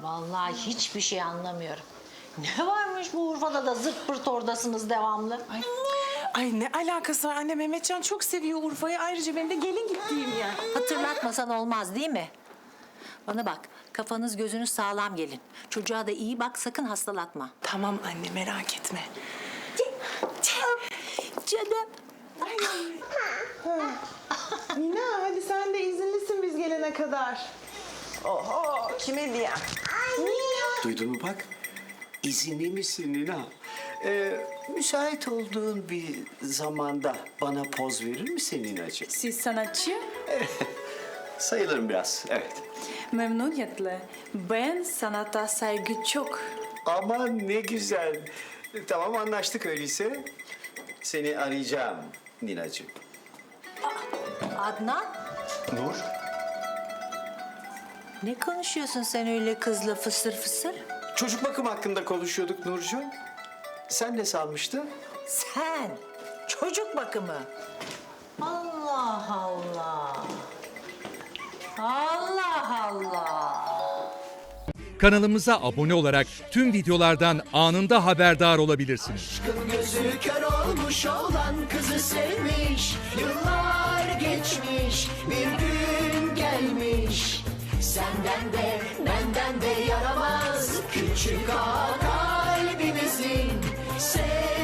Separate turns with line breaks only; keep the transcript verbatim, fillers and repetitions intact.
Vallahi hiçbir şey anlamıyorum. Ne varmış bu Urfa'da da zırt pırt oradasınız devamlı?
Ay, ay ne alakası var anne, Mehmetcan çok seviyor Urfa'yı. Ayrıca benim de gelin gittiğim yer.
Hatırlatmasan olmaz değil mi? Bana bak, kafanız gözünüz sağlam gelin. Çocuğa da iyi bak, sakın hastalatma.
Tamam anne, merak etme.
Canım.
Nina hadi sen de izinlisin biz gelene kadar. Oho, kime diye? Nina.
Duydun mu bak? İzinli misin Nina? Ee, müsait olduğun bir zamanda bana poz verir misin Ninacığım?
Siz sanatçı?
Sayılırım biraz, evet.
Memnuniyetle. Ben sanata saygı çok.
Aman ne güzel. Tamam anlaştık öyleyse. Seni arayacağım Ninacığım.
Adnan,
Nur?
ne konuşuyorsun sen öyle kızla fısır fısır?
Çocuk bakım hakkında konuşuyorduk Nurcuğum. Sen ne sanmıştın?
Sen, çocuk bakımı. Allah Allah. Allah Allah.
Kanalımıza abone olarak tüm videolardan anında haberdar olabilirsiniz.
Gözü kör olmuş olan kızı sevmiş. Yıllar geçmiş, bir gün gelmiş. Senden de benden de yaramaz küçük ağa kalbimizin.